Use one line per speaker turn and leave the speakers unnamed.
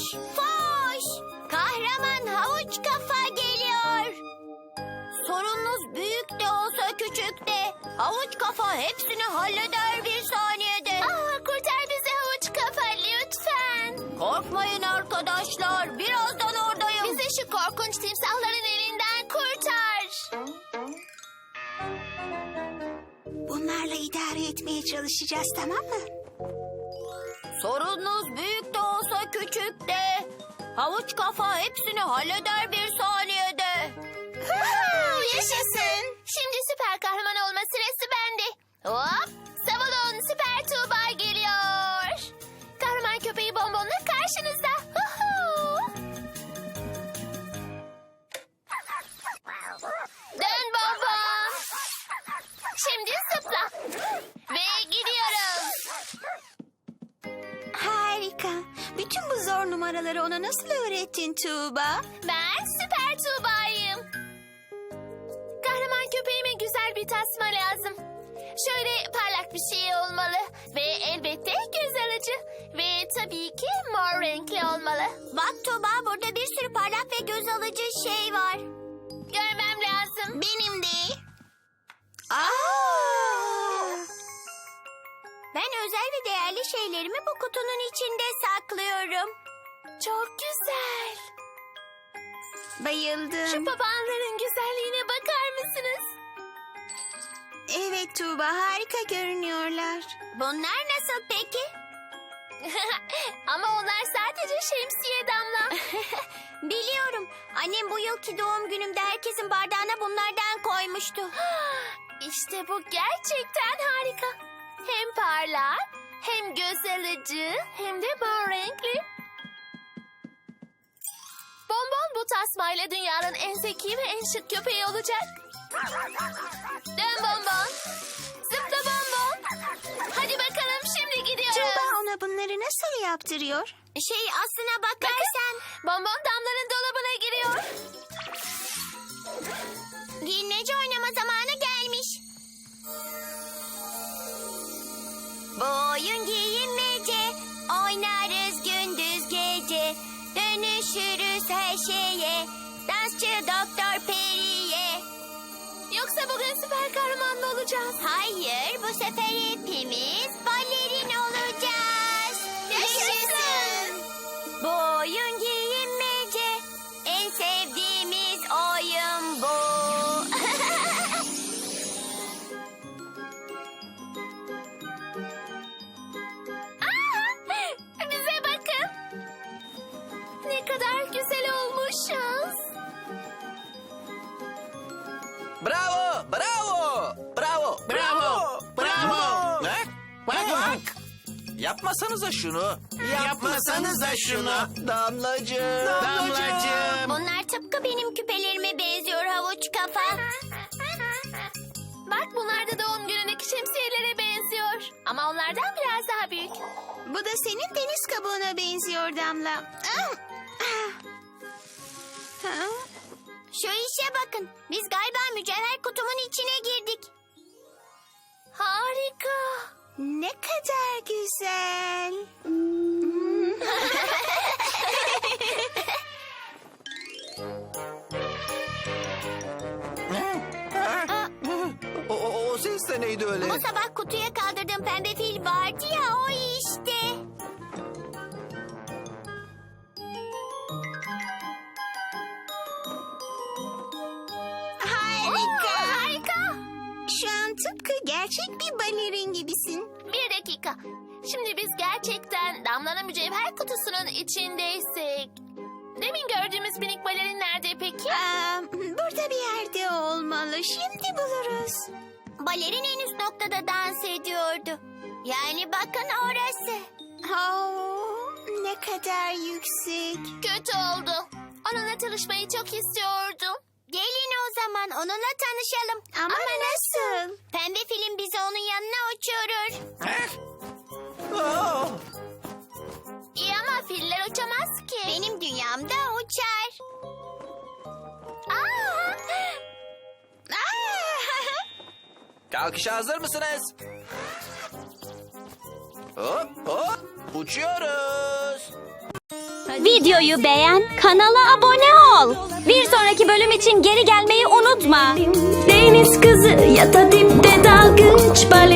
Foş! Kahraman havuç kafa geliyor. Sorununuz büyük de olsa küçük de havuç kafa hepsini halleder bir saniyede.
Kurtar bizi havuç kafa lütfen.
Korkmayın arkadaşlar, birazdan oradayım.
Bizi şu korkunç timsahların elinden kurtar.
Bunlarla idare etmeye çalışacağız, tamam mı?
Sorununuz büyük de olsa küçük de havuç kafa hepsini halleder bir saniyede.
Yaşasın. Şimdi süper kahraman olma sırası bende. Hop! Savunun, Süper Tuğba geliyor. Kahraman köpeği Bonbon'la karşınızda. Dön Bonbon. Şimdi zıpla. Ve gidiyoruz.
Harika. Bütün bu zor numaraları ona nasıl öğrettin Tuğba?
Ben Süper Tuğba'yım. Kahraman köpeğime güzel bir tasma lazım. Şöyle parlak bir şey olmalı. Ve elbette göz alıcı. Ve tabii ki mor renkli olmalı.
Bak Tuğba, burada bir sürü parlak ve göz alıcı şey var.
Görmem lazım.
Benim de.
Ben özel ve değerli şeylerimi bu kutunun içinde saklıyorum.
Çok güzel.
Bayıldım.
Şu papağanların güzelliğine bakar mısınız?
Evet Tuğba, harika görünüyorlar.
Bunlar nasıl peki?
Ama onlar sadece şemsiye Damla.
Biliyorum. Annem bu yılki doğum günümde herkesin bardağına bunlardan koymuştu.
İşte bu gerçekten harika. Hem parlak, hem göz alıcı, hem de mor renkli. Bonbon bu tasmayla dünyanın en zeki ve en şık köpeği olacak. Dön Bonbon. Zıpla Bonbon. Hadi bakalım, şimdi gidiyoruz.
Tuğba ona bunları nasıl yaptırıyor?
Aslına bakarsan
Bonbon Damla'nın dolabına giriyor.
giyinmece oynama zamanı gelmiş. Bu oyun giyinmece, oynarız gündüz gece. Dönüşürüz her şeye, dansçı Doktor Peri'ye.
Yoksa bugün süper kahraman mı olacağız?
Hayır, bu sefer hepimiz balerin olacağız.
Yaşasın!
Bu oyun giyinmece, en sevdiğimiz oyun bu.
Bize bakın. Ne kadar güzel olmuşuz.
Bravo! Bravo! Bravo!
Bravo! Bravo!
Bak! Bak! Yapmasanıza şunu.
Yapmasanıza şunu.
Damlacığım.
Damlacığım.
Bunlar tıpkı benim küpelerime benziyor havuç kafa.
Bak, bunlar da doğum günündeki şemsiyelere benziyor. Ama onlardan biraz daha büyük.
Bu da senin deniz kabuğuna benziyor Damla.
Şu işe bakın. Biz galiba mücevher kutumun içine girdik.
Harika.
Ne kadar güzel.
O ses de neydi öyle?
Bu sabah kutuya kaldırdığım pembe fil vardı ya, o işte.
Harika.
Harika.
Şu an tıpkı gerçek bir balerin gibisin.
Bir dakika. Şimdi biz gerçekten Damla'nın mücevher kutusunun içindeysek... Demin gördüğümüz minik balerin nerede peki?
Burada bir yerde olmalı. Şimdi buluruz.
Balerin en üst noktada dans ediyordu. Yani bakın orası.
Ne kadar yüksek.
Kötü oldu. Onunla tanışmayı çok istiyordum.
Gelin o zaman onunla tanışalım.
Ama nasıl?
Pembe film bizi onun yanına uçurur.
Oh!
İyi ama filler uçamaz ki.
Benim dünyamda uçar.
Aa!
Kalkışa hazır mısınız? Hop hop uçuyoruz.
Videoyu beğen, kanala abone ol. Bir sonraki bölüm için geri gelmeyi unutma.
Deniz kızı ya da dipte dalgıç, bale